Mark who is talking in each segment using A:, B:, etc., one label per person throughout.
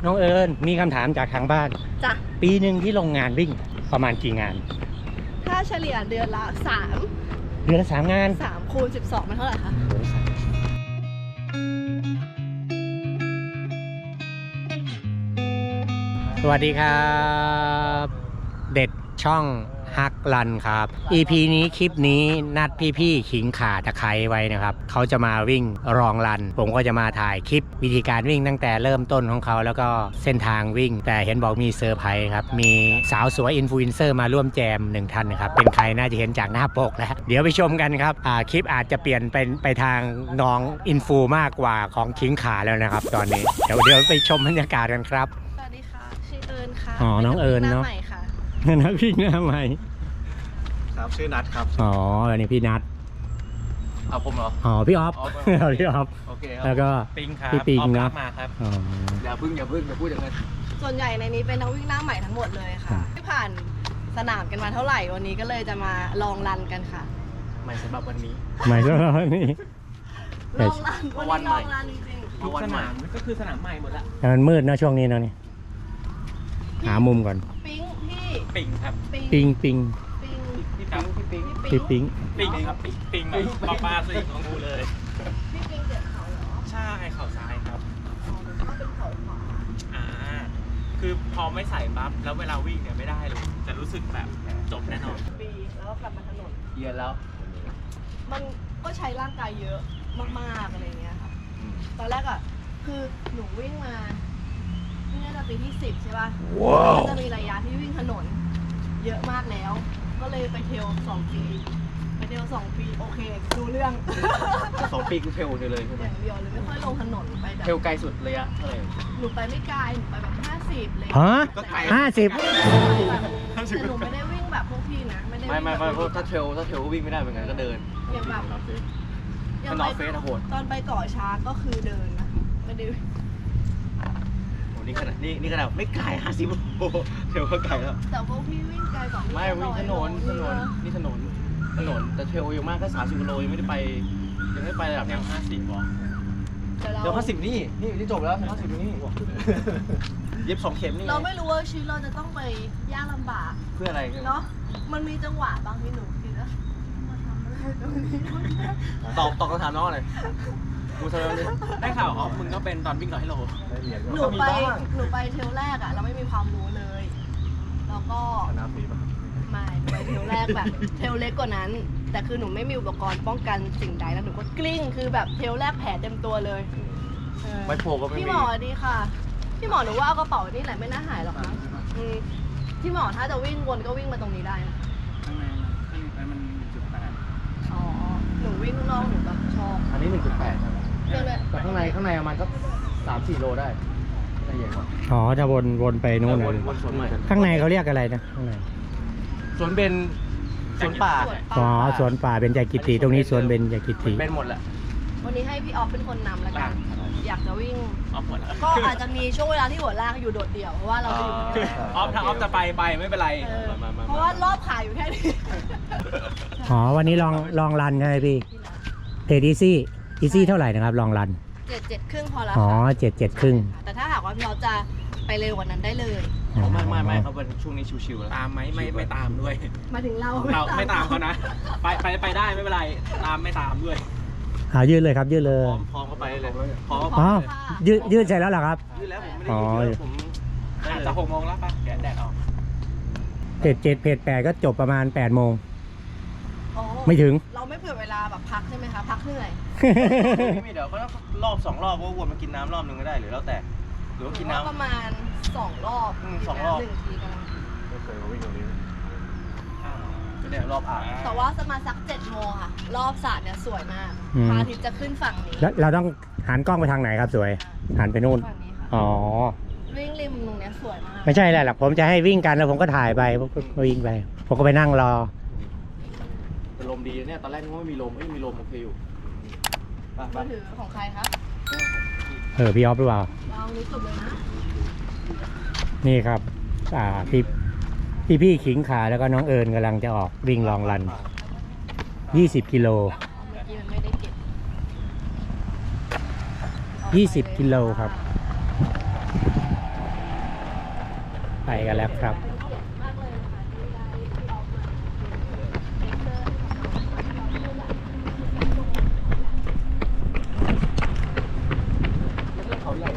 A: น้องเอิญมีคำถามจากทางบ้าน
B: จ้ะ
A: ปีหนึ่งที่โรงงานวิ่งประมาณกี่งาน
B: ถ้าเฉลี่ยเดือนละ3
A: เดือนละ3 งาน
B: 3 คูณ 12มันเท่าไหร่คะ
A: สวัสดีครับเด็ดช่องฮักรันครับ EP นี้คลิปนี้นัดพี่ๆขิงข่าตะไคร้ไว้นะครับเขาจะมาวิ่งรองรันผมก็จะมาถ่ายคลิปวิธีการวิ่งตั้งแต่เริ่มต้นของเขาแล้วก็เส้นทางวิ่งแต่เห็นบอกมีเซอร์ไพรส์ครับมีสาวสวยอินฟลูเอนเซอร์มาร่วมแจม1 ท่านนะครับเป็นใครน่าจะเห็นจากหน้าปกแล้วเดี๋ยวไปชมกันครับคลิปอาจจะเปลี่ยนเป็นไปทางน้องอินฟูมากกว่าของขิงข่าแล้วนะครับตอนนี้เดี๋ยวไปชมบรรยากาศกันครับ
B: สวัสดีค่ะชื่อเอิญค่ะ
A: อ๋อน้องเอิญเนาะนักวิ่งหน้าใหม่
C: ครับชื่อนัทครับ
A: อ๋ออันนี้พี่นัท
C: เอาผมเหรอ
A: อ๋อพี่ออฟพี่ออฟ
C: โอเคครับ
A: แล้วก็
C: ปิงครับ
A: พี่ปิงเนาะ
C: มาครับอย่าพึ่งอย่าพูดอย่างนั้น
B: ส่วนใหญ่ในนี้เป็นนักวิ่งหน้าใหม่ทั้งหมดเลยค่ะที่ผ่านสนามกันมาเท่าไหร่วันนี้ก็เลยจะมาลองรันกันค่ะ
C: ใหม่สำหรับวันนี้
A: ใหม่สำหรับวันนี้
B: ลองรันวันนี้ลองรันจริง
C: ๆทุกสนามก็คือสนามใหม่หมดละ
A: แต่มันมืดนะช่วงนี้เนาะนี่หามุมก่อน
B: ปิงพี่
C: ปิงครับ
A: ปิง
C: พี่
A: ปิง
C: ปิงครับปิงปลาสิของกูเลย
B: พี่ปิงเจ็บเข่าเหรอ
C: ใช่เข่าซ้ายครับ
B: ก็เป็นเข่าขวา
C: คือพอไม่ใส่ปั๊บแล้วเวลาวิ่งเนี่ยไม่ได้เลยจะรู้สึกแบบจบแน่นอน
B: ปีแล้วก็กลับมาถนน
C: เย็นแล้ว
B: มันก็ใช้ร่างกายเยอะมากๆอะไรเงี้ยค่ะตอนแรกอ่ะคือหนูวิ่งมาเนี่ยจะปีที่10ใช่ป่ะมันจะมีระยะที่วิ่งถนนเยอะมากแล้วก็เลยไปเทรล2 ปีไปเทรล2 ปีโอเคดูเรื่อง
C: 2 ปีคือเทรลเลยใช่ไหม
B: อย่างเดียวเลยไม่ค่อยลงถนนไปแบบ
C: เทรลไกลสุดระยะเท่าไหร่
B: หนูไปไม่ไกลหนูไปแบบ50เลย
A: ฮะ50
B: แต่หนูไม่ได้วิ่งแบบพวกพี่นะไม่
C: เพราะถ้าเทรลก็วิ่งไม่ได้เหมือนกันก็เดิน
B: อย่างแบบ
C: มันนอเฟสโหด
B: ตอนไปเกาะช้างก็คือเดินนะไม่ได้
C: นี่ขนาดไม่ไกล50โอ้เทรลก็ไกลแล้ว
B: แต่พวกพี่วิ่งไกลกว่า
C: ไม่วิ่งถนนนี่ถนนแต่เทรลอยู่มากแค่30 กิโลยังไม่ได้ไประดับ50หรอเดี๋ยว50นี่จบแล้ว50นี่เย็บ2 เข็มนี่
B: เราไม่รู้ว่าชีวิตเราจะต้องไปยากลำบาก
C: เพื่ออะไร
B: เนาะมันมีจังหวะบางที่หนูคิดว่ามาทำอะไรตรงนี้
C: ตอบคำถามน้องเลยกูทำอะไรได้ข่าวอ๋อมึงก็เป็นตอนวิ่ง100 กิโล
B: หนูไปเทรลแรกอ่ะเราไม่มีความรู้เลยแล้วก็ไม่ไปเทรลแรกแบบเทรลเล็กกว่านั้นแต่คือหนูไม่มีอุปกรณ์ป้องกันสิ่งใดแล้วหนูก็กลิ้งคือแบบเทรลแรกแผลเต็มตัวเลย
C: ไม่โผล่ก็ไม่มี
B: พี่หมอดีค่ะพี่หมอหนูว่าเอากระเป๋านี่แหละไม่น่าหายหรอกนะพี่หมอถ้าจะวิ่งวนก็วิ่งมาตรงนี้ได้นะ
C: ข้างในมัน1.8
B: อ๋อหนูวิ่งข้างนอกหนูแบบชอบ
C: อันนี้1.8แต่ข้างในประมาณก็3-4 โลได้ละเอียดกว่า
A: อ๋อจะวนไปนู่นเลยข้างในเขาเรียกอะไรนะข้างใน
C: สวนเบญสวนป่า
A: อ๋อสวนป่าเบญจกิติตรงนี้สวนเบญจกิติ
C: เป็นหมดแหละ
B: วันนี้ให้พี่ออฟเป็นคนนำแล้วกันอยากจะวิ่งก็อาจจะมีช่วงเวลาที่หัวลากอยู่โดดเดี่ยวเพราะว่าเราจะอยู่
C: ออฟถ้าออฟจะไปไม่เป็นไร
B: เพราะว่ารอบขาอยู่แค่นี้
A: อ๋อวันนี้ลองรันใช่ไหมพี่เทรดอีซี่เท่าไหร่นะครับลองรัน
B: 7 ครึ่งพอแล้ว
A: อ๋อ7 ครึ่ง
B: แต่ถ้าหากว่าพี่ออฟจะไปเร็วกว่านั้นได้เลย
C: ไม่ครับวันช่วงนี้ชิวๆแล้วตามไหมไม่ตามด้วย
B: มาถึงเรา
C: ไม่ตามเขานะไปได้ไม่เป็นไรไม่ตามด้วย
A: ยืดเลยครับยืดเลย
C: พร้อมเข้าไปเลยพร้อม
A: ยืดเสร็จแล้วเหรอครับ
C: ยืดแล้วผมไม่ได้ยืดผมจะ6 โมงแล้วป่ะแดดออก
A: เพจ8ก็จบประมาณ8 โมงไม่ถึง
B: เราไม่เผื่อเวลาแบบพักใช่ไหมคะพักเหนื่อย
C: ไม่เดี๋ยวก็รอบ2 รอบก็วนมากินน้ำรอบนึงก็ได้หรือแล้วแต่หรือว่ากินน้ำ
B: ประมาณ2 รอบ
C: 2 รอบ
B: 1 ทีกำลัง
C: ไม่เคยมาวิ่งตรงนี้ก็เนี่ยรอบ
B: แต่ว่าจะมาสัก7 โมงค่ะรอบสระเนี่ยสวยมากพระอาทิตย์จะขึ้นฝั่งนี้
A: แล้วเราต้องหันกล้องไปทางไหนครับสวยหันไปนู่นอ๋อ
B: วิ่งริมตรงนี้สวยมาก
A: ไม่ใช่แหละผมจะให้วิ่งกันแล้วผมก็ถ่ายไปวิ่งไปผมก็ไปนั่งรอ
C: ลมดีเนี่ยตอนแรกนึกว่าไม่มีลมโอเคอยู่
B: มือถือของใครครับ
A: พี่ออฟหรือเปล่า
B: เรารู้สึกเลยนะ
A: นี่ครับพี่ขิงขาแล้วก็น้องเอิญกำลังจะออกวิ่งลองรัน20 กิโล20 กิโลครับไปกันแล้วครับ
B: มากเลยนะคะที่ได้ที่ออกมาเป็นเซอร์
C: เขาใหญ่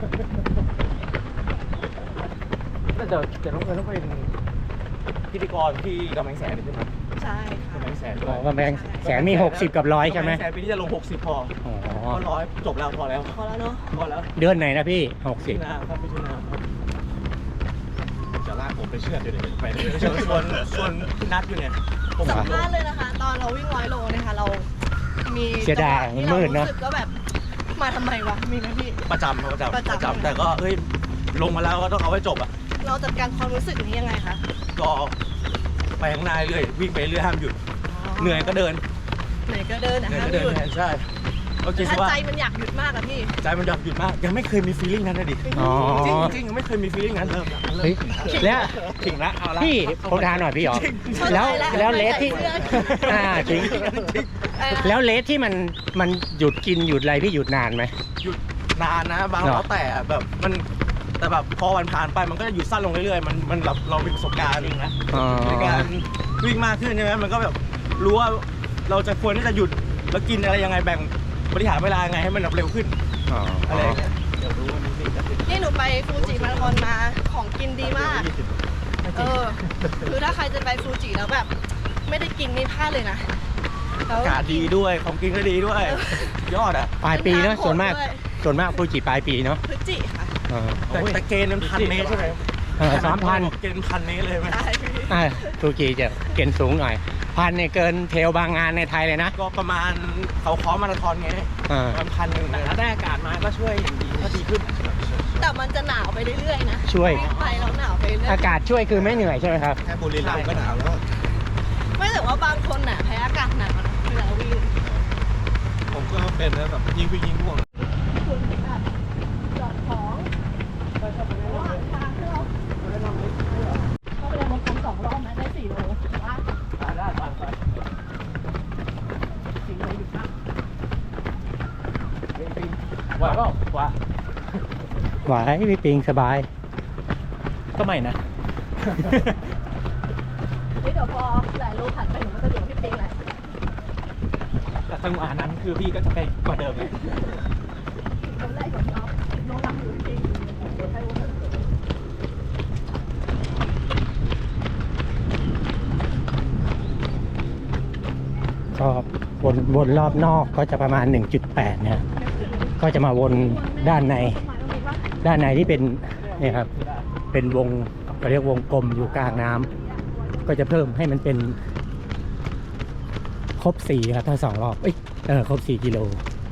C: แต่เดี๋ยวน้องเอิญต้องเป็นพิธีกรที่กำแพงแสนใช่ไหม
B: ใช่
C: กำแพงแสน
A: อ๋อกำแพงแสนมี 60 กับ 100 ใช่ไหม
C: กำแพงแสนปีนี้จะลง 60 พอ
A: อ๋อ
C: ก็ร้อยจบแล้วพอแล้ว
B: พอแล้วเนาะ
C: พอแล้ว
A: เดือนไหนนะพี่
C: พิจารณาครับพิจารณาครับจะลากผมไปเชื่อดเดี๋ยวไปส่วนนัดอยู่เนี่ยผม
B: สัมภาษณ์เลยนะคะ ตอนเราวิ่ง100 โลนะคะเรามี
A: เสียดาย
B: จังหวะที่
A: มืดเนอะ
B: รู้สึกก็แบบมาทำไมวะมีไหมพี่
C: ประจำ
B: ประจำ
C: แต่ก็เฮ้ยลงมาแล้วก็ต้องเอาไว้จบอ่ะ
B: เราจัดการความรู้สึกนี้ยังไงคะ
C: ก็ไปข้างหน้าเรื่อยวิ่งไปเรื่อยห้ามหยุดเหนื่อยก็เดิน
B: เหนื่อยก็เดินนะ
C: เหนื่อย
B: ห้าม
C: ก็เดิ
B: หยุ
C: น
B: ด
C: แทนใช่โอเค
B: ถ้า
C: ว่า
B: ใจมันอยากหยุดมากอะพี่
C: ใจมันอยากหยุดมากยังไม่เคยมีฟีลลิ่งนั้นนะดิ
A: อ๋อ
C: จริงยังไม่เคยมีฟีลลิ่งนั้นเริ่ม
A: เฮ้ยแล้ว
C: ถึงละเอาละ
A: พี่ผมถามหน่อยพี่หรอ
B: เข้าใจ
A: แล้ว
B: แล้ว
A: เลสที่
B: ไม่ใส่เสื้อ
A: จริง แล้วเลสที่มันหยุดกินหยุดอะไรพี่หยุดนานไหม
C: หยุดนานนะบาง
A: เหรอ
C: แล้วแต่แบบมันแต่แบบพอวันผ่านไปมันก็จะหยุดสั้นลงเรื่อยๆมันแบบเรามีประสบการณ์นะ
A: อ๋อ
C: ในการวิ่งมากขึ้นใช่ไหมมันก็แบบรู้ว่าเราจะควรที่จะหยุดแล้วกินอะไรยังไงแบ่งบริหารเวลายังไงให้มันแบบเร็วขึ้น
A: อ๋อ
C: อะไรอย่างเงี้ยเดี๋ยวรู้ว่ามีสิ่งที่
B: นี่หนูไปฟูจิมาราธอนมาของกินดีมาก คือถ้าใครจะไปฟูจิแล้วแบบ ไม่ได้กินนี่พลาดเลยนะแล้ว
C: อากาศดีด้วยของกินก็ดีด้วย ยอดอ่ะ
A: ปลายปีเนอะส่วนมาก
B: ด้วย
A: ส่วนมากฟูจิปลายปีเนาะ
B: พฤศจิค่ะ
C: แต่เกณฑ์มัน1,000 เมตรใช่ไหม
A: 3,000
C: เกณฑ์1,000 เมตรเลยไหม
B: ใช่พี่
A: ฟูจิจะเกณฑ์สูงหน่อยพันเนี่ยเกินเทรลบางงานในไทยเลยนะ
C: ก็ประมาณเขาค้อมาราธอนไง
A: อ่า
C: ประมาณ1,000แต่ถ้าได้อากาศมาก็ช่วยอย่างดีก็ดีขึ้น
B: แต่มันจะหนาวไปเรื่อยๆนะ
A: ช่วย
B: วิ่งไปแล้วหนาวไปเรื่อย
A: อากาศช่วยคือไม่เหนื่อยใช่ไหมครับ
C: แค่บุรีรัมย์ก็หนาวแล้ว
B: ไม่แต่ว่าบางคนน่ะแพ้อากาศหนาวนะเวลาวิ่ง
C: ผมก็เป็นนะแบบยิงไปยิงง่วง
B: คุณแบบจอดของระหว่างทางที่เราเข้าไปในมงคล2 รอบนะได้4 โลว่า
C: ได้ไป
B: 4 โลอยู่ครับ
C: ไหวเปล่าไหว
A: ไหวพี่ปิงสบาย
C: ก็ไม่นะ
B: เฮ้ยเดี๋ยวพอหลายโลผ่านไปหนูก็จะเหลือพี่ปิงแหละ
C: แต่จังหวะนั้นคือพี่ก็จะไปกว่าเดิมเลย
B: คนแรกของเราน้องรักอยู่จริงเดี๋ยวให้โอกาส
A: ก็วนรอบนอกก็จะประมาณ 1.8 นะก็จะมาวนด้านในที่เป็นเนี่ยครับเป็นวงเราเรียกวงกลมอยู่กลางน้ำก็จะเพิ่มให้มันเป็นครบ4ครับถ้า2 รอบครบ4 กิโล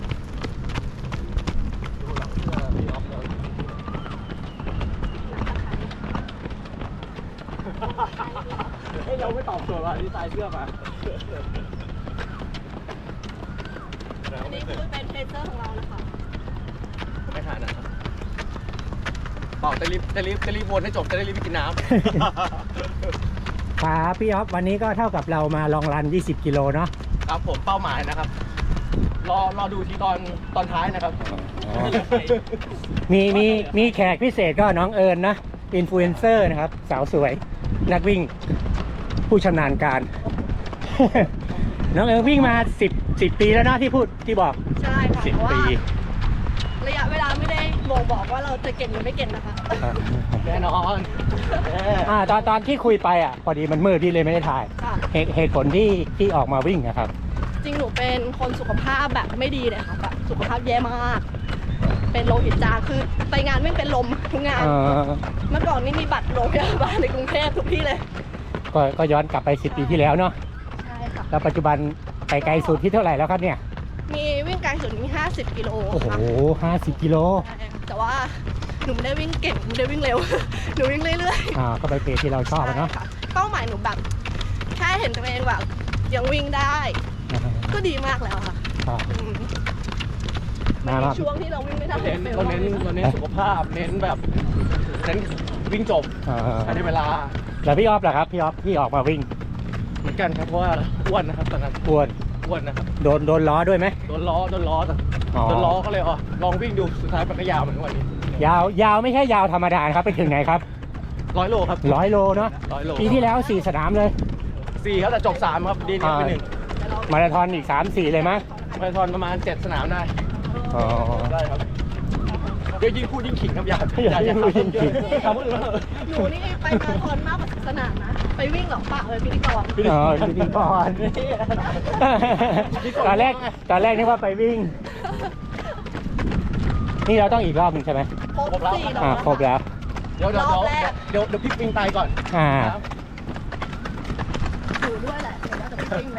C: เฮ้ยเราไม่ตอบโจทย์ว่ะดีไซน์เสื้อมา
B: อันนี้คือเป็นเทรเซอร์ของเรานะคะ
C: ไม่ทานนะครับบอกจะรีบวนให้จบจะได้รีบไปกินน้ำ
A: ครับพี่อ๊อฟวันนี้ก็เท่ากับเรามาลองรัน 20 กิโลเนาะ
C: ครับผมเป้าหมายนะครับ รอดูที่ตอนท้ายนะครับ
A: มีแขกพิเศษก็น้องเอิญนะอินฟลูเอนเซอร์นะครับ สาวสวย นักวิ่งผู้ชำนาญการ น้องเอิญวิ่งมา10 ปีแล้วเนาะที่บอก
B: ใช่ค่ะเพราะ
A: 10
B: ว่า
A: ปี
B: ระยะเวลาไม่ได้บอกว่าเราจะเก่งหรือไม่เก่งนะคะ
C: แน่นอน
A: ตอนที่คุยไปพอดีมันมืดพี่เลยไม่ได้ถ่าย
B: ค่ะ
A: เหตุผลที่ออกมาวิ่งนะครับ
B: จริงหนูเป็นคนสุขภาพแบบไม่ดีเลยค่ะแบบสุขภาพแย่มาก เป็นโลหิตจางคือไปงานวิ่งเป็นลมทุกงาน เมื่อก่อนนี่มีบัตรโรงพยาบาลในกรุงเทพทุกที่เลย
A: ก็ย้อนกลับไป10 ปีที่แล้วเนาะ
B: ใช่ค่ะ
A: แล้วปัจจุบันไปไกลสุดที่เท่าไหร่แล้วครับเนี่ย
B: มีวิ่งไกลสุดนี่50 กิโล
A: โอ้โห
B: ค่ะ
A: 50 กิโล
B: ใช่ค่ะแต่ว่าหนูไม่ได้วิ่งเก่งหนูไม่ได้วิ่งเร็ว หนูวิ่งเรื่อยๆ
A: ก็ไปเพจที่เราชอบอะเนาะ
B: ใช่ค่เป้าหมายหนูแบบแค่เห็นตัวเองแบบยังวิ่งได้ ก็ดีมากแล้วค่ะ
A: ครับ
B: อืม
A: มา
B: ใน
A: มา
B: ช่วงที่เราวิ่งไม่ได้
C: เราเน้นสุขภาพเน้นแบบเน้นวิ่งจบภายในเวลา
A: แล้วพี่ออฟล่ะครับพี่ออฟที่ออกมาวิ่ง
C: เหมือนกันครับเพราะว่าอ้วนนะครับตอนนั้น
A: อ้วน
C: อ้วนนะครับ
A: โดนล้อด้วยไหม
C: โดนล้อแต่
A: อ๋อ
C: โดนล้อก็เลยลองวิ่งดูสุดท้ายมันก็ยาวเหมือนกันวันนี้
A: ยาวไม่ใช่ยาวธรรมดาครับไปถึงไหนครับ
C: 100 โลครับ
A: 100 โลเนาะ
C: 100 โล
A: ปีที่แล้ว 4 สนามเลย
C: 4ครับแต่จบ 3 ครับดีเนี่ยไปหนึ่ง
A: มาราธอนอีก 3-4 เลยมั้ย
C: มาราธอนประมาณ 7 สนามได้
A: อ๋อ
C: ได้ครับเดี๋ยวยิ่งพูดยิ่งขิงครับอย่า
A: ยิ่งพูดยิ่งขิง
C: ทำคนอื่น
B: หนูนี่ไปมาราธอนมากกว่าสนามนะ ไปวิ่งเหรอปะพิธีกร
A: อ๋อพิธีกรตอนแรกนึกว่าไปวิ่ง นี่เราต้องอีกรอบหนึงใช่ไหม
B: ครบ4
A: อ่าครบแล้ว
C: เดี๋ยวพี่ปิงตายก่อน
A: อ่า
B: อยู่ด้วยแหละเดี๋ยวเราจะไปวิ่งเลย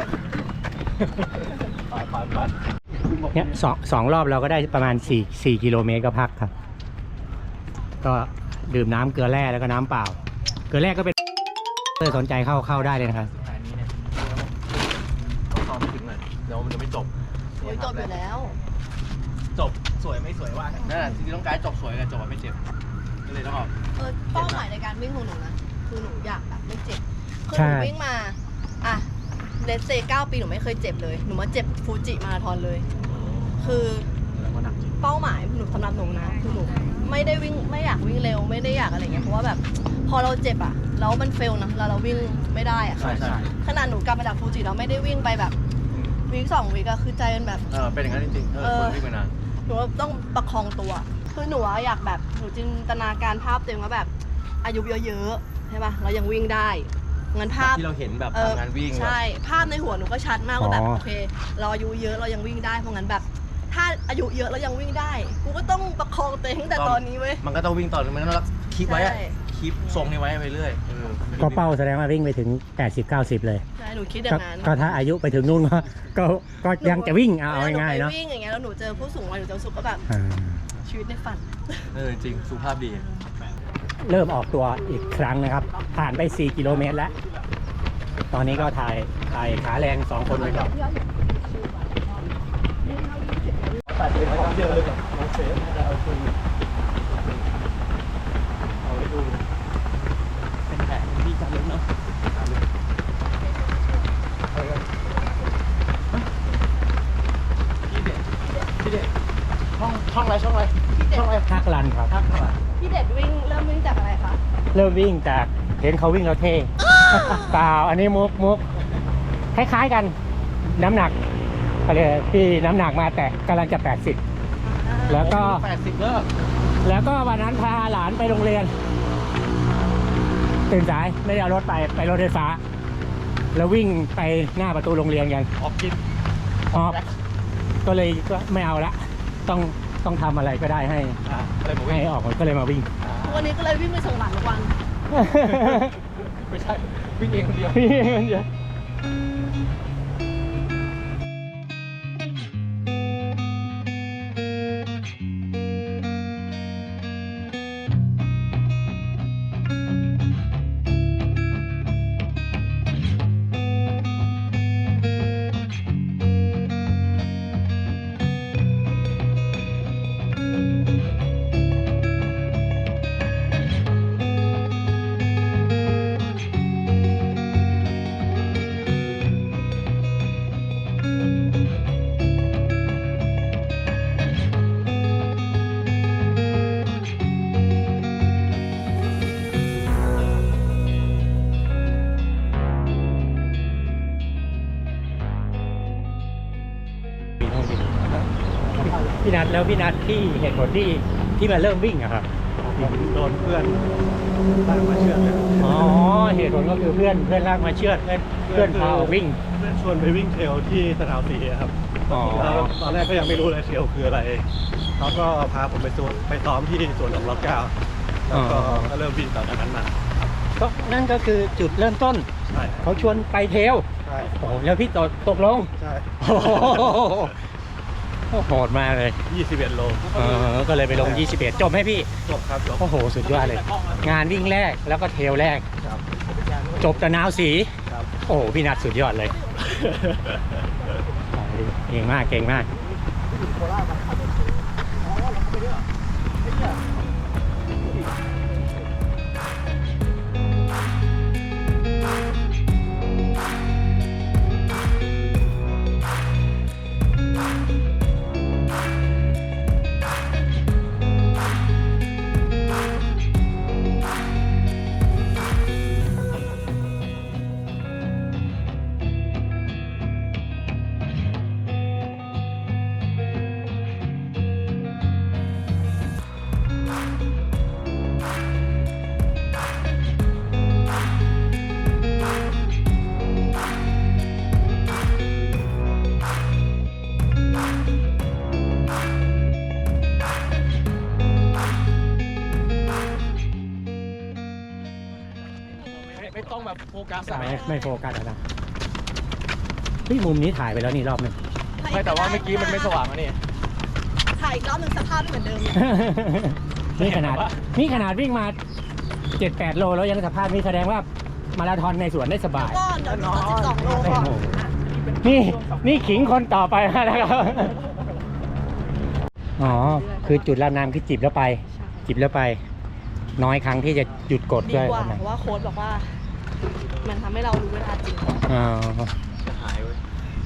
C: ไป
A: เนี่ยสองรอบเราก็ได้ประมาณ4 กิโลเมตรก็พักครับ ก็ดื่มน้ำเกลือแร่แล้วก็น้ำเปล่า เกลือแร่ก็เป็นสนใจเข้าได้เลยนะครับ
C: อันนี้เนี่ยต้องซ้อมถึงหน่อยเดี๋ยวมันจะไม่จบ
B: โอ้ยจบอยู่แล้ว
C: จบสวยไม่สวยว่ากันนั่นแหละจริงๆต้องการจบสวยกับจบไม่เจ็บก็เลยต้องออก
B: เป้าหมายในการวิ่งของหนูนะ คือหนูอยากแบบไม่เจ็บ คือ
A: ใช่
B: หนูวิ่งมา อ่ะเลสเซ9 ปีหนูไม่เคยเจ็บเลย หนูมาเจ็บฟูจิมาราธอนเลย คือเป้าหมายหนูสำหรับหนูนะ คือหนูไม่ได้วิ่งไม่อยากวิ่งเร็วไม่ได้อยากอะไรเงี้ย เพราะว่าแบบพอเราเจ็บอ่ะแล้วมันเฟลนะเราวิ่งไม่ได้อ่ะ
C: ใช่
B: ขนาดหนูกลับมาจากฟูจิเราไม่ได้วิ่งไปแบบวีค2 วีคอะคือใจมันแบบ
C: เป็นอย่างนั้นจริงๆคนวิ่งมานาน
B: หนูต้องประคองตัว คือหนูอะอยากแบบหนูจินตนาการภาพตัวเองว่าแบบอายุเยอะๆใช่ป่ะเรายังวิ่งได้งั้นภาพ
C: ที่เราเห็นแบบทำงานวิ่ง
B: ใช่ภาพในหัวหนูก็ชัดมากว่าแบบ
A: อ๋อ
B: โอเค เราอายุเยอะเรายังวิ่งได้เพราะงั้นแบบ ถ้าอายุเยอะแล้วยังวิ่งได้กูก็ต้องประคองตัวเองตั้งแต่ตอนนี้เว้ย
C: มันก็ต้องวิ่งต่อมันต้องคีบไว้
B: ใช่
C: คีบทรงนี้ไว้ไปเรื่อย
A: ก็เป้าแสดงว่าวิ่งไปถึง 80-90 เลย
B: ใช่หนูคิดอย่างนั้น
A: ก็ถ้าอายุไปถึงนู่นก็ยังจะวิ่งเอาง่ายๆ
B: หนู
A: เนาะ
B: ไปวิ่งอย่างเงี้ยแล้วหนูเจอผู้สูงวัยหนูจะรู้สึกว่าแบบ
A: อ่า
B: ชีวิตในฝัน
C: จริงสุขภาพดี
A: เริ่มออกตัวอีกครั้งนะครับ ผ่านไป 4 กิโลเมตรแล้ว ตอนนี้ก็ถ่ายขาแรง 2 คนไปก่อน
C: ตัดเลยไม่ต้องเยอะเลยกับน้องเซฟเอาคืนเอาไว้ดูเป็นแผนที่จะเล่นเนาะพี่เด็กช่องอะไร
A: ฮักรันครับ
B: พี่เด็ดวิ่งเริ่มวิ่งจากอะไรคะ
A: เริ่มวิ่งจากเห็นเขาวิ่งแล้วเท่ เปล่าอันนี้มุกคล้ายๆกัน น้ำหนักก็เลยพี่น้ำหนักมาแต่กำลังจะ 80 แล้วก็
C: 80เลิก
A: แล้วก็วันนั้นพาหลานไปโรงเรียน ตื่นสายไม่ได้เอารถไปรถไฟฟ้า แล้ววิ่งไปหน้าประตูโรงเรียนกัน
C: ออกกิน
A: ออกก็เลยก็ไม่เอาละต้องทำอะไรก็ได้ให้
C: อะไรบอกว่า
A: ให้ออกก็เลยมาวิ่ง
B: วันนี้ก็เลยวิ่งไปส่งหลานทุกวัน
C: ไม่ใช่วิ่งเองคนเดียว
A: พี่นัทที่เหตุผลที่มาเริ่มวิ่งอะครับ
D: โดนเพื่อนลากมาเชือดเลย
A: อ๋อเหตุผลก็คือเพื่อนลากมาเชือดเพื่อนพาออกวิ่ง
D: เพื่อนชวนไปวิ่งเทรลที่สนามสีครับ
A: อ๋อ
D: แล้วตอนแรกก็ยังไม่รู้เลยเทรลคืออะไรเขาก็พาผมไปซ้อมที่สวนหลวงรัชกาลแล้วก็เริ่มวิ่งต่อจากนั้นมา
A: ก็นั่นก็คือจุดเริ่มต้น
D: ใช่
A: เขาชวนไปเทรล
D: ใช่
A: โอ้โหแล้วพี่ตกลง
D: ใช่
A: โอ้โหโหดมากเลย
D: 21 โล
A: ก็เลยไปลง 21 จบไหมพี่
D: จบครับจบ
A: โอ้โห สุดยอดเลย งานวิ่งแรกแล้วก็เทรลแรก
D: ครับ
A: จบแต่นาวสี
D: ครับ
A: โอ้โห พี่นัทสุดยอดเลย เก่งมาก เก่งมาก
C: ต้องแบบโฟกัส
A: ไม่โฟกัสนะพี่มุมนี้ถ่ายไปแล้วนี่รอบหนึง
C: ไม่แต่ว่าเมื่อกี้มันไม่สว่างอะนี่
B: ถ่ายอีกรอบหนึ่งสภาพไม่เหมือนเดิมเลย
A: นี่ขนาดวิ่งมา 7-8 โลแล้วยังสภาพนี้แสดงว่ามาราธอนในสวนได้สบาย
B: ก็เดี๋ยวจะ12 โลก่อน
A: นี่ขิงคนต่อไปนะครับ อ๋อ คือจุดรับน้ำคือจิบแล้วไป จิบแล้วไป น้อยครั้งที่จะหยุดกด
B: ดี
A: ด้วย
B: กว่าเพราะว่าโค้ชบอกว่า มันทำให้เรารู้เวลาจริง
A: อ๋อ
C: จะหายเว้ย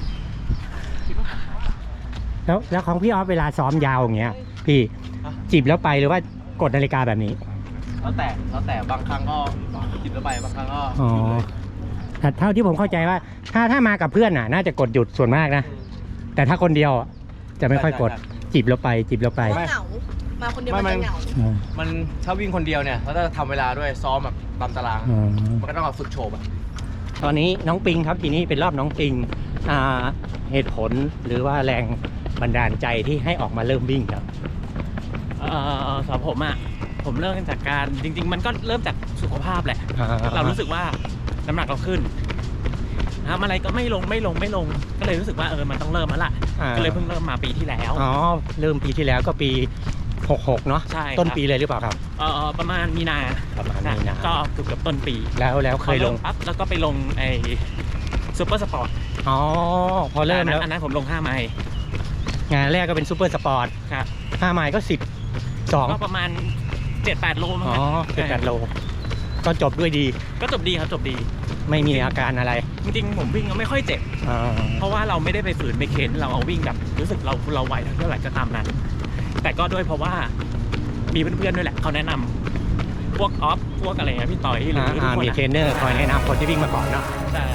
A: แล้วของพี่ออฟเวลาซ้อมยาวอย่างเงี้ย พี่จิบแล้วไปหรือว่ากดนาฬิกาแบบนี้
C: แล้วแต่บางครั้งก็จิบแล้วไปบางครั้งก็
A: อ๋อแต่เท่าที่ผมเข้าใจว่า ถ้ามากับเพื่อนน่ะ น่าจะกดหยุดส่วนมากนะ แต่ถ้าคนเดียวจะไม่ค่อยกดจิบแล้วไปจิบแล้วไป
B: เพราะเหงา มาคนเดียวมันจะเหงา
C: มันถ้าวิ่งคนเดียวเนี่ยแล้วถ้าทำเวลาด้วยซ้อมแบบตามตาราง
A: อ๋อ
C: มันก็ต้องเอาฝึกโชว์อะ
A: ตอนนี้น้องปิงครับทีนี้เป็นรอบน้องปิงเหตุผลหรือว่าแรงบันดาลใจที่ให้ออกมาเริ่มวิ่งครับ
E: สำหรับผมอ่ะผมเริ่มจากการจริง ๆ มันก็เริ่มจากสุขภาพแหละ เรารู้สึกว่าน้ำหนักเราขึ้นทำอะไรก็ไม่ลงก็เลยรู้สึกว่ามันต้องเริ่มแล้วล่ะก็เลยเพิ่งเริ่มมาปีที่แล้ว
A: อ๋อเริ่มปีที่แล้วก็ปี66เนาะ
E: ใช่
A: ต้นปีเลยหรือเปล่าครับ
E: ประมาณมีนา
A: ประมาณมีนา
E: ก็เกือบต้นปี
A: แล้วเคยลง
E: พอริ่มปั๊บแล้วก็ไปลงไอ้ซูเปอร์สปอร์ต
A: อ๋อพอเริ่มแล้ว
E: อันนั้นผมลง5 ไมล์
A: งานแรกก็เป็นซูเปอร์สปอร์ต
E: ครับ
A: 5 ไมล์ก็12
E: ก็ประมาณ 7-8 โลมั้ง
A: อ๋อ
E: ครับ
A: 7-8 โลก็จบด้วยดี
E: ก็จบดีครับจบดี
A: ไม่มีอาการอะไร
E: จริงๆผมวิ่งก็ไม่ค่อยเจ็บ
A: อ๋อ
E: เพราะว่าเราไม่ได้ไปฝืนไปเข็นเราเอาวิ่งแบบรู้สึกเราไหวเท่าไหร่ก็ตามนั้น แต่ก็ด้วยเพราะว่ามีเพื่อนๆด้วยแหละเขาแนะนำพวกออฟพวกอะไรเงี้ยพี่ต่อยหรือทุกคน
A: มีเทรนเนอร์คอยแนะนำคนที่วิ่งมาก่อนเนาะ
E: ใช่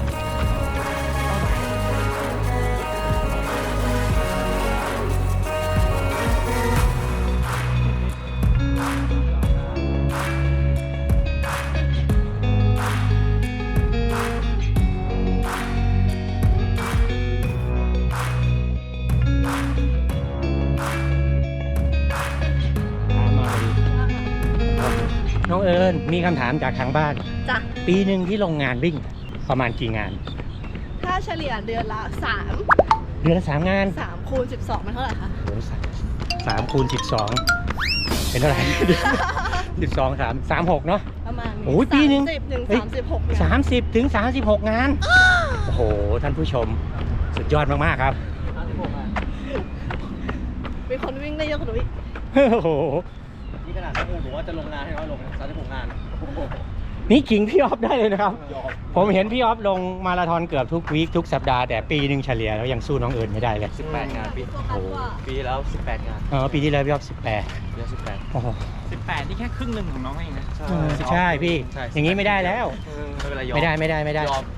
A: น้องเอิญมีคำถามจากทางบ้าน
B: จ้ะ
A: ปีหนึ่งที่ลงงานวิ่งประมาณกี่งาน
B: ถ้าเฉลี่ยเดือนละ
A: เดือนละ3 งาน
B: 3คูณ12มันเท่าไหร่คะ
A: โอ้3 คูณ 12 เป็นเท่าไหร่ 12 36 เนาะ
B: ประมาณ
A: โอ้ยปีหนึ่ง
B: 30 ถึง
A: เฮ้ย
B: 36เนี่ย
A: 30 ถึง 36 งาน โอ้โห ท่านผู้ชม สุดยอดมาก ๆ ครับ
B: มีคนวิ่งได้เยอะกว่าหนูอีก
A: โอ้โห
C: นี่ขนาดที่ผมว่าจะลงงานให้น้อยลง36 งาน
A: นี่ขิงพี่ออฟได้เลยนะครับ ผมเห็นพี่ออฟลงมาราธอนเกือบทุกวีคทุกสัปดาห์แต่ปีหนึ่งเฉลี่ยแล้วยังสู้น้องเอิญไม่ได้เลย
C: 18 งานปี
B: โฟกัสว่า
C: ปีแล้ว 18 งาน
A: ปีที่แล้วพี่ออฟ
C: เดือน
A: 18 โอ้โห
E: 18นี่แค่ครึ่งหนึ่งของน้องเองนะ
A: ใช่พี่
C: ใช่
A: อย่างนี้ไม่ได้แล้ว
C: ไม่เป็นไรยอม
A: ไม่ได้
C: ยอม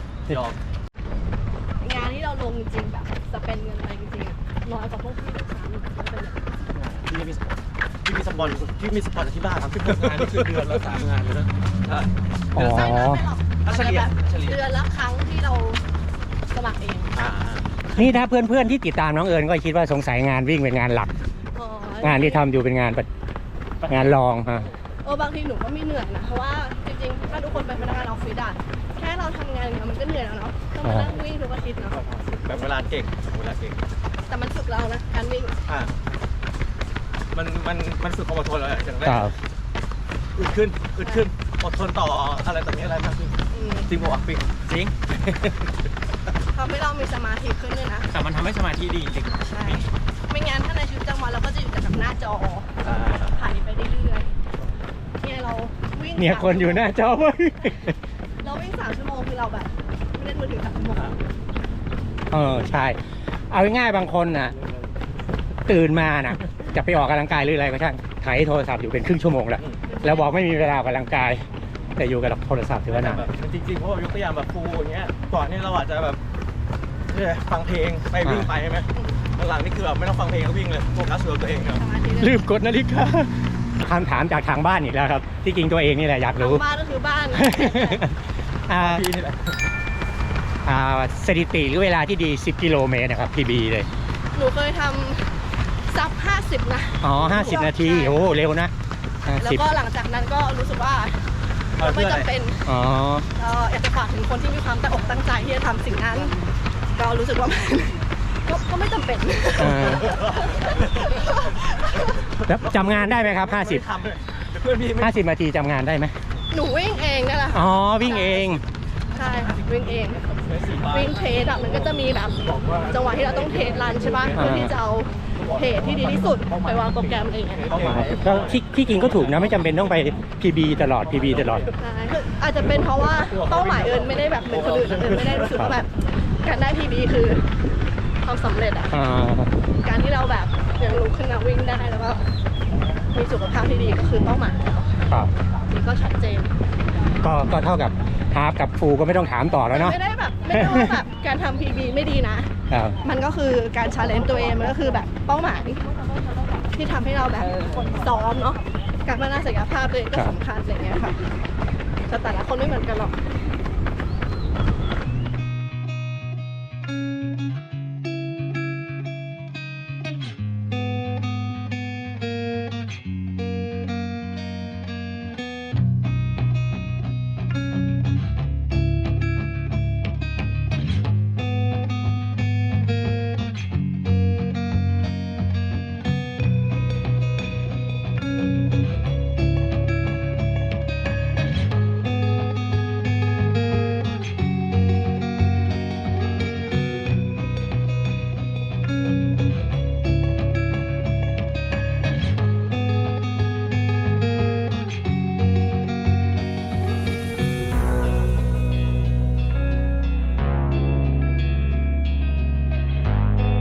B: งานที่เราลงจริงๆแบบจะเป็นเงินไปจริงๆอะน้อยกว่าพวกพี่ทุกครั้งมันเป็นแบบ
C: พี่มีสปอนจากที่บ้านครับ16 งานนี่คือเดือนละ3 งานเลยนะใช่
A: อ๋อ
B: ไม่ไม่หรอก
C: ถ้าเฉลี่ย
B: เดือนละครั้งที่เราสมัครเอง
A: นี่ถ้าเพื่อนๆที่ติดตามน้องเอิญก็คิดว่าสงสัยงานวิ่งเป็นงานหลัก
B: อ๋อง
A: านที่ทำอยู่เป็นงานรองฮะ
B: บางทีหนูก็ไม่เหนื่อยนะเพราะว่าจริงๆถ้าทุกคนเป็นพนักงานออฟฟิศอะแค่เราทำงานอย่างเงี้ยมันก็เหนื่อยแล้วเนาะต้องมานั่งวิ่งทุกอาทิตย์เนาะ
C: แบบเวลาเก่ง
B: แต่มันฝึกเรานะการวิ่ง
C: มันฝึกความอดทนแล้วอย่างแร
A: ค
C: ก
A: รับ
C: อึดขึ้นอดทนต่ออะไรต่อมีอะไรมากขึ้น
B: อืม
C: จริงป่ะวะปิง
E: จริง
B: ทำให้เรามีสมาธิขึ้นด้วยนะ
E: แต่มันทำให้สมาธิดีจริง
B: ใช่ ไม่งั้นถ้าในชีวิตประจำวันเราก็จะอยู่แต่กับหน้าจอถ่ายไปเรื่อยๆเนี่ยเราวิ่ง
A: เนี่ยคนอยู่หน้าจอเว้ย
B: เราวิ่ง3 ชั่วโมงคือเราแบบไม่เล่นมือถือ3 ชั่วโมง
A: ใช่ เอาง่ายๆบางคนน่ะ ตื่นมาน่ะ จะไปออกกำลังกายหรืออะไรก็ช่างถ่ายโทรศัพท์อยู่เป็นครึ่งชั่วโมงแล้วบอกไม่มีเวลาออกกำลังกาย แต่อยู่กับโทรศัพท์ถือว่า
C: แบ
A: นาน
C: บจริงๆเพราะว่ายกตัวอย่างแบบครูอย่างเงี้ยก่อนนี่เราอาจจะแบบฟังเพลงไปวิ่งไปใช่ไหมหลังๆนี่คือแบบไม่ต้องฟังเพลงก็วิ่งเลยโฟกัสกับตัวเองครับ
B: สมาธิ
A: ลืมกดนาฬิกาคำถามจากทางบ้านอีกแล้วครับ ที่จริงตัวเองนี่แหละอยากรู้
B: บ้านก็คือบ้าน
C: พี่นี่แหละ
A: สถิติหรือเวลาที่ดี 10 กิโลเมตรนะครับ PB เลย
B: หนูเคยทำซับ50นะ
A: อ๋อ 50 นาที โอ้ เร็วนะ
B: แล้วก็หลังจากนั้นก็รู้สึกว่าก็ไม่จำเป็น
A: อ๋อ
B: ก็อยากจะฝากถึงคนที่มีความตั้งอกตั้งใจที่จะทำสิ่งนั้น ก็รู้สึกว่ามันก็ไม่จำเป็น
A: เออ แล้วจำงานได้ไหมครับ 50 นาทีจำงานได้ไหม
B: หนูวิ่งเองนั่นแหละ
A: อ๋อ วิ่งเอง
B: ใช่ค่ะวิ่งเอง วิ่งเทสอะมันก็จะมีแบบจังหวะที่เราต้องเทสรันใช่ปะเพื่อที่จะเอาเทสที่ดีที่สุดไปวางโปรแกรมอะไรอย่างเงี้ย
A: ก็ที่จริงก็ถูกนะ ไม่จำเป็นต้องไป PB ตลอด PB ตลอด
B: ใช่คืออาจจะเป็นเพราะว่าเป้าหมายเอิญไม่ได้แบบเหมือนคนอื่นเอิญไม่ได้รู้สึกว่าแบบการได้ PB คือความสำเร็จอะ
A: อ่า
B: การที่เราแบบยังลุกขึ้นมาวิ่งได้แล้วก็มีสุขภาพที่ดีก็คือเป้าหมายแล้ว
A: ครับ
B: นี่ก็ชัดเจน
A: ก็เท่ากับฮาล์ฟกับฟูลก็ไม่ต้องถามต่อแล้วเนาะ
B: ไม่ได้แบบไม่ได้ว่าแบบการทำ PB ไม่ดีนะ
A: ครับ
B: มันก็คือการชาเลนจ์ตัวเองมันก็คือแบบเป้าหมายที่ทำให้เราแบบซ้อมเนาะการพัฒนาศักยภาพตัวเองก็สำคัญอะไรเงี้ยค่ะแต่ละคนไม่เหมือนกันหรอก